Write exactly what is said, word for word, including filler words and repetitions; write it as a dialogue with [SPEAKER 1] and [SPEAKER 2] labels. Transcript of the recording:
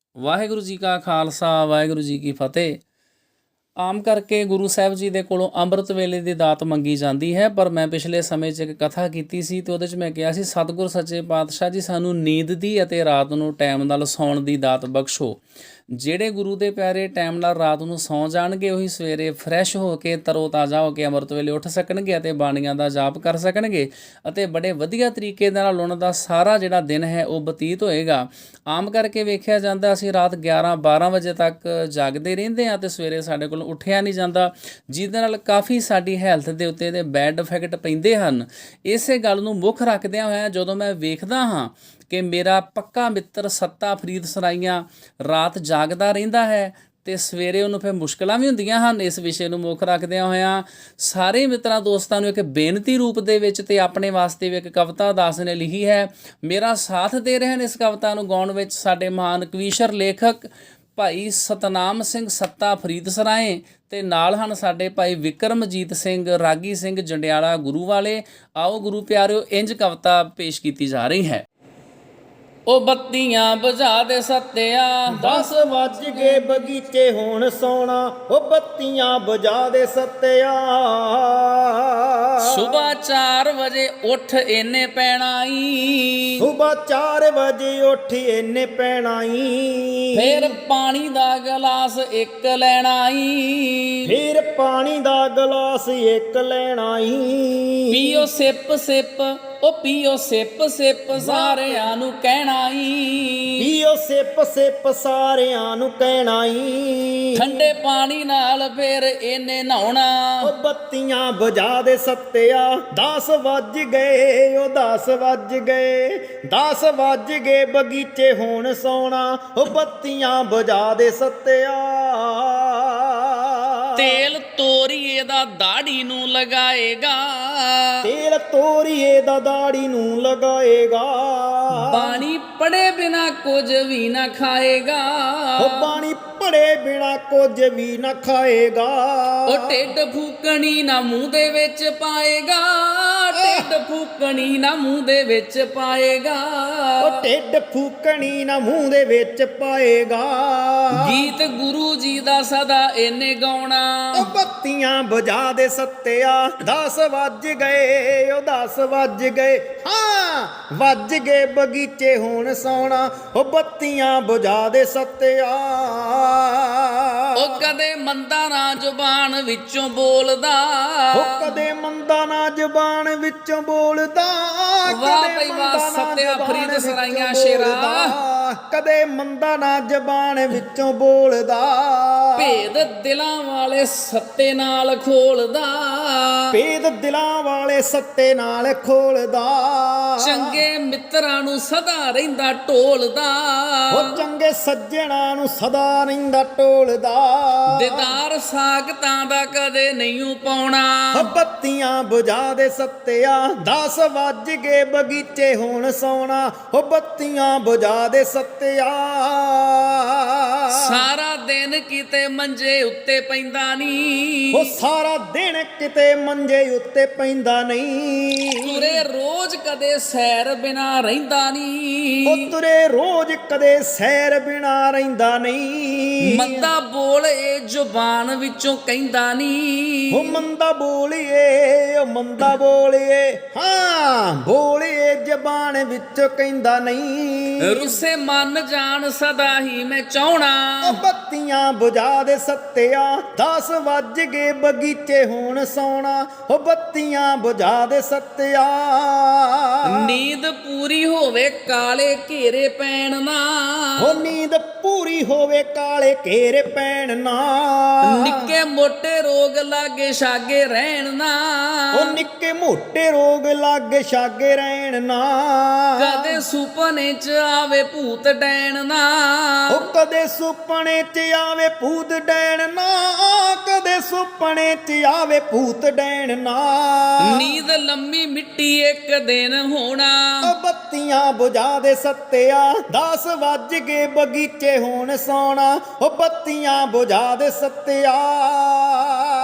[SPEAKER 1] ਵਾਹਿਗੁਰੂ ਜੀ ਕਾ ਖਾਲਸਾ ਵਾਹਿਗੁਰੂ ਜੀ ਕੀ ਫਤਿਹ। ਆਮ ਕਰਕੇ ਗੁਰੂ ਸਾਹਿਬ ਜੀ ਦੇ ਕੋਲੋਂ ਅੰਮ੍ਰਿਤ ਵੇਲੇ ਦੀ ਦਾਤ ਮੰਗੀ ਜਾਂਦੀ ਹੈ, ਪਰ ਮੈਂ ਪਿਛਲੇ ਸਮੇਂ 'ਚ ਇੱਕ ਕਥਾ ਕੀਤੀ ਸੀ ਅਤੇ ਉਹਦੇ 'ਚ ਮੈਂ ਕਿਹਾ ਸੀ ਸਤਿਗੁਰ ਸੱਚੇ ਪਾਤਸ਼ਾਹ ਜੀ ਸਾਨੂੰ ਨੀਂਦ ਦੀ ਅਤੇ ਰਾਤ ਨੂੰ ਟਾਈਮ ਨਾਲ ਸੌਣ ਦੀ ਦਾਤ ਬਖਸ਼ੋ। ਜਿਹੜੇ ਗੁਰੂ ਦੇ ਪਿਆਰੇ ਟਾਈਮ ਨਾਲ ਰਾਤ ਨੂੰ ਸੌਂ ਜਾਣਗੇ ਉਹੀ ਸਵੇਰੇ ਫਰੈਸ਼ ਹੋ ਕੇ ਤਰੋ ਤਾਜ਼ਾ ਹੋ ਕੇ ਅੰਮ੍ਰਿਤ ਵੇਲੇ ਉੱਠ ਸਕਣਗੇ ਅਤੇ ਬਾਣੀਆਂ ਦਾ ਜਾਪ ਕਰ ਸਕਣਗੇ ਅਤੇ ਬੜੇ ਵਧੀਆ ਤਰੀਕੇ ਦੇ ਨਾਲ ਉਹਨਾਂ ਦਾ ਸਾਰਾ ਜਿਹੜਾ ਦਿਨ ਹੈ ਉਹ ਬਤੀਤ ਹੋਏਗਾ। ਆਮ ਕਰਕੇ ਵੇਖਿਆ ਜਾਂਦਾ ਅਸੀਂ ਰਾਤ ਗਿਆਰਾਂ ਬਾਰਾਂ ਵਜੇ ਤੱਕ ਜਾਗਦੇ ਰਹਿੰਦੇ ਹਾਂ ਅਤੇ ਸਵੇਰੇ ਸਾਡੇ ਕੋਲ ਉੱਠਿਆ ਨਹੀਂ ਜਾਂਦਾ, ਜਿਹਦੇ ਨਾਲ ਕਾਫੀ ਸਾਡੀ ਹੈਲਥ ਦੇ ਉੱਤੇ ਦੇ ਬੈਡ ਇਫੈਕਟ ਪੈਂਦੇ ਹਨ। ਇਸੇ ਗੱਲ ਨੂੰ ਮੁੱਖ ਰੱਖਦਿਆਂ ਹੋਇਆ ਜਦੋਂ ਮੈਂ ਵੇਖਦਾ ਹਾਂ ਕਿ ਮੇਰਾ ਪੱਕਾ ਮਿੱਤਰ ਸੱਤਾ ਫਰੀਦ ਸਰਾਈਆਂ ਰਾਤ ਜਾਗਦਾ ਰਹਿੰਦਾ ਹੈ ਅਤੇ ਸਵੇਰੇ ਉਹਨੂੰ ਫਿਰ ਮੁਸ਼ਕਿਲਾਂ ਵੀ ਹੁੰਦੀਆਂ ਹਨ। ਇਸ ਵਿਸ਼ੇ ਨੂੰ ਮੁੱਖ ਰੱਖਦਿਆਂ ਹੋਇਆਂ ਸਾਰੇ ਮਿੱਤਰਾਂ ਦੋਸਤਾਂ ਨੂੰ ਇੱਕ ਬੇਨਤੀ ਰੂਪ ਦੇ ਵਿੱਚ ਅਤੇ ਆਪਣੇ ਵਾਸਤੇ ਵੀ ਇੱਕ ਕਵਿਤਾ ਦਾਸ ਨੇ ਲਿਖੀ ਹੈ। ਮੇਰਾ ਸਾਥ ਦੇ ਰਹੇ ਹਨ ਇਸ ਕਵਿਤਾ ਨੂੰ ਗਾਉਣ ਵਿੱਚ ਸਾਡੇ ਮਹਾਨ ਕਵੀਸ਼ਰ ਲੇਖਕ ਭਾਈ ਸਤਨਾਮ ਸਿੰਘ ਸੱਤਾ ਫਰੀਦ ਸਰਾਏ ਅਤੇ ਨਾਲ ਹਨ ਸਾਡੇ ਭਾਈ ਵਿਕਰਮਜੀਤ ਸਿੰਘ ਰਾਗੀ ਸਿੰਘ ਜੰਡਿਆਲਾ ਗੁਰੂ ਵਾਲੇ। ਆਓ ਗੁਰੂ ਪਿਆਰਿਓ, ਇੰਝ ਕਵਿਤਾ ਪੇਸ਼ ਕੀਤੀ ਜਾ ਰਹੀ ਹੈ। ਉਹ ਬੱਤੀਆਂ ਬੁਝਾ ਦੇ ਸੱਤਿਆ,
[SPEAKER 2] ਦਸ ਵੱਜ ਗਏ ਬਗੀਚੇ ਹੁਣ ਸੋਣਾ, ਉਹ ਬੱਤੀਆਂ ਬੁਝਾ ਦੇ ਸੱਤਿਆ।
[SPEAKER 1] ਸੁਬਾ ਚਾਰ ਵਜੇ ਉੱਠ ਇਹਨੇ ਪੈਣਾ ਈ,
[SPEAKER 2] ਸੁਬਾ ਚਾਰ ਵਜੇ ਉੱਠ ਇਹਨੇ ਪੈਣਾ ਈ।
[SPEAKER 1] ਫੇਰ ਪਾਣੀ ਦਾ ਗਲਾਸ ਇੱਕ ਲੈਣਾ ਈ,
[SPEAKER 2] ਫਿਰ ਪਾਣੀ ਦਾ ਗਲਾਸ ਇੱਕ ਲੈਣਾ ਈ।
[SPEAKER 1] ਪੀਓ ਸਿਪ ਸਿਪ, ਉਹ ਪੀਓ ਸਿਪ ਸਿਪ ਸਾਰਿਆਂ ਨੂੰ ਕਹਿਣਾ ਈ,
[SPEAKER 2] ਪੀਓ ਸਿਪ ਸਿਪ ਸਾਰਿਆਂ ਨੂੰ ਕਹਿਣਾ ਈ।
[SPEAKER 1] ਠੰਡੇ ਪਾਣੀ ਨਾਲ ਫੇਰ ਇਹਨੇ ਨਹਾਉਣਾ,
[SPEAKER 2] ਉਹ ਬੱਤੀਆਂ ਬੁਝਾ ਦੇ ਸੱਤਿਆ। ਦਸ ਵੱਜ ਗਏ, ਉਹ ਦਸ ਵੱਜ ਗਏ, ਦਸ ਵੱਜ ਗਏ ਬਗੀਚੇ ਹੁਣ ਸੋਣਾ, ਉਹ ਬੱਤੀਆਂ ਬੁਝਾ ਦੇ ਸੱਤਿਆ।
[SPEAKER 1] ਤੇਲ ਤੋਰੀਏ ਦਾ ਦਾੜੀ ਨੂੰ ਲਗਾਏਗਾ,
[SPEAKER 2] ਤੇਲ ਤੋਰੀਏ ਦਾ ਦਾੜੀ ਨੂੰ ਲਗਾਏਗਾ।
[SPEAKER 1] ਬਾਣੀ ਪੜੇ ਬਿਨਾ ਕੁਝ ਵੀ ਨਾ ਖਾਏਗਾ,
[SPEAKER 2] ਉਹ ਬਾਣੀ ਪੜੇ ਬਿਨਾ ਕੁਝ ਵੀ ਨਾ ਖਾਏਗਾ।
[SPEAKER 1] ਉਹ ਢਿੱਡ ਫੂਕਣੀ ਨਾ ਮੂੰਹ ਦੇ ਵਿੱਚ ਪਾਏਗਾ, ਢਿੱਡ ਫੂਕਣੀ ਨਾ ਮੂੰਹ ਦੇ ਵਿੱਚ ਪਾਏਗਾ।
[SPEAKER 2] ਉਹ ਢਿੱਡ ਫੂਕਣੀ ਨਾ ਮੂੰਹ ਦੇ ਵਿੱਚ ਪਾਏਗਾ।
[SPEAKER 1] ਗੀਤ ਗੁਰੂ ਜੀ ਦਾ ਸਦਾ ਇਹਨੇ ਗਾਉਣਾ,
[SPEAKER 2] ਉਹ ਬੱਤੀਆਂ ਬੁਝਾ ਦੇ ਸੱਤਿਆ। ਦਸ ਵੱਜ ਗਏ, ਉਹ ਦਸ ਵੱਜ ਗਏ, ਹਾਂ ਵੱਜ ਗਏ ਬਗੀਚੇ ਹੁਣ ਸੌਣਾ, ਉਹ ਬੱਤੀਆਂ ਬੁਝਾ ਦੇ ਸੱਤਿਆ।
[SPEAKER 1] ਉਹ ਕਦੇ ਮੰਦਾ ਨਾ ਜ਼ੁਬਾਨ ਵਿੱਚੋਂ ਬੋਲਦਾ,
[SPEAKER 2] ਉਹ ਕਦੇ ਮੰਦਾ ਨਾ ਜ਼ੁਬਾਨ ਵਿੱਚੋਂ ਬੋਲਦਾ।
[SPEAKER 1] ਵਾਹ ਭਈ ਵਾਹ ਸੱਤਿਆ ਫਰੀਦ ਸਰਾਈਆਂ ਸ਼ੇਰਾ।
[SPEAKER 2] ਕਦੇ ਮੰਦਾ ਨਾ ਜ਼ੁਬਾਨ ਵਿੱਚੋਂ ਬੋਲਦਾ,
[SPEAKER 1] ਭੇਦ ਦਿਲਾਂ ਵਾਲੇ ਸੱਤੇ ਨਾਲ ਖੋਲਦਾ,
[SPEAKER 2] ਭੇਦ ਦਿਲਾਂ ਵਾਲੇ ਸੱਤੇ ਨਾਲ ਖੋਲਦਾ।
[SPEAKER 1] ਚੰਗੇ ਮਿੱਤਰਾਂ ਨੂੰ ਸਦਾ ਰਹਿੰਦਾ ਢੋਲਦਾ,
[SPEAKER 2] ਉਹ ਚੰਗੇ ਸੱਜਣਾ ਨੂੰ ਸਦਾ ਰਹਿੰਦਾ ਢੋਲਦਾ।
[SPEAKER 1] ਦੀਦਾਰ ਸਾਖਤਾਂ ਦਾ ਕਦੇ ਨਹੀਂ ਪਾਉਣਾ,
[SPEAKER 2] ਬੱਤੀਆਂ ਬੁਝਾ ਦੇ ਸੱਤਿਆ। ਦਸ ਵੱਜ ਗਏ ਬਗੀਚੇ ਹੁਣ ਸੌਣਾ, ਉਹ ਬੱਤੀਆਂ ਬੁਝਾ ਦੇ ਸੱਤਿਆ।
[SPEAKER 1] ਸਾਰਾ ਦਿਨ ਕਿਤੇ ਮੰਜੇ ਉੱਤੇ ਪੈਂਦਾ ਨਹੀਂ,
[SPEAKER 2] ਉਹ ਸਾਰਾ ਦਿਨ ਕਿਤੇ ਮੰਜੇ ਉੱਤੇ ਪੈਂਦਾ ਨਹੀਂ।
[SPEAKER 1] ਤੁਰੇ ਰੋਜ਼ ਕਦੇ ਸੈਰ ਬਿਨਾ ਰਹਿੰਦਾ ਨਹੀਂ,
[SPEAKER 2] ਉਹ ਤੁਰੇ ਰੋਜ਼ ਕਦੇ ਸੈਰ ਬਿਨਾ ਰਹਿੰਦਾ ਨਹੀਂ।
[SPEAKER 1] ਮੰਦਾ ਬੋਲੇ ਜ਼ੁਬਾਨ ਵਿੱਚੋਂ ਕਹਿੰਦਾ ਨਹੀਂ,
[SPEAKER 2] ਉਹ ਮੰਦਾ ਬੋਲੀਏ, ਉਹ ਮੰਦਾ ਬੋਲੀਏ, ਹਾਂ ਬੋਲੀਏ ਜ਼ਬਾਨ ਵਿੱਚੋਂ ਕਹਿੰਦਾ ਨਹੀਂ।
[SPEAKER 1] ਰੁੱਸੇ ਮਨ ਜਾਣ ਸਦਾ ਹੀ ਮੈਂ ਚਾਹਣਾ,
[SPEAKER 2] ਉਹ ਬੱਤੀਆਂ ਬੁਝਾ ਦੇ ਸੱਤਿਆ। ਦਸ ਵੱਜ ਗਏ ਬਗੀਚੇ ਹੁਣ ਸੌਣਾ, ਉਹ ਬੱਤੀਆਂ ਬੁਝਾ ਦੇ ਸੱਤਿਆ।
[SPEAKER 1] ਨੀਂਦ ਪੂਰੀ ਹੋਵੇ ਕਾਲੇ ਘੇਰੇ ਪੈਣ ਨਾ,
[SPEAKER 2] ਉਹ ਨੀਂਦ ਪੂਰੀ ਹੋਵੇ ਕਾਲੇ ਘੇਰੇ ਪੈਣ ਨਾ।
[SPEAKER 1] ਨਿੱਕੇ ਮੋਟੇ ਰੋਗ ਲਾਗੇ ਛਾਗੇ ਰਹਿਣ ਨਾ,
[SPEAKER 2] ਉਹ ਨਿੱਕੇ ਮੋਟੇ ਰੋਗ ਲਾਗੇ ਛਾਗੇ ਰਹਿਣ ਨਾ।
[SPEAKER 1] ਕਦੇ ਸੁਪਨੇ ਚ ਆਵੇ ਭੂਤ ਡੈਣ ਨਾ,
[SPEAKER 2] ਉਹ ਕਦੇ ਸੁਪਨੇ ਚ ਆਵੇ ਭੂਤ ਡੈਣ ਨਾ। ਕਦੇ ਸੁਪਨੇ ਚ ਆਵੇ ਭੂਤ ਡੈਣ ਨਾ।
[SPEAKER 1] ਨੀਂਦ ਲੰਮੀ ਮਿੱਟੀ ਇੱਕ ਦਿਨ ਹੋਣਾ,
[SPEAKER 2] ਉਹ ਬੱਤੀਆਂ ਬੁਝਾ ਦੇ ਸੱਤਿਆ। ਦਸ ਵੱਜ ਗਏ ਬਗੀਚੇ ਹੁਣ ਸੌਣਾ, ਉਹ ਬੱਤੀਆਂ ਬੁਝਾ ਦੇ ਸੱਤਿਆ।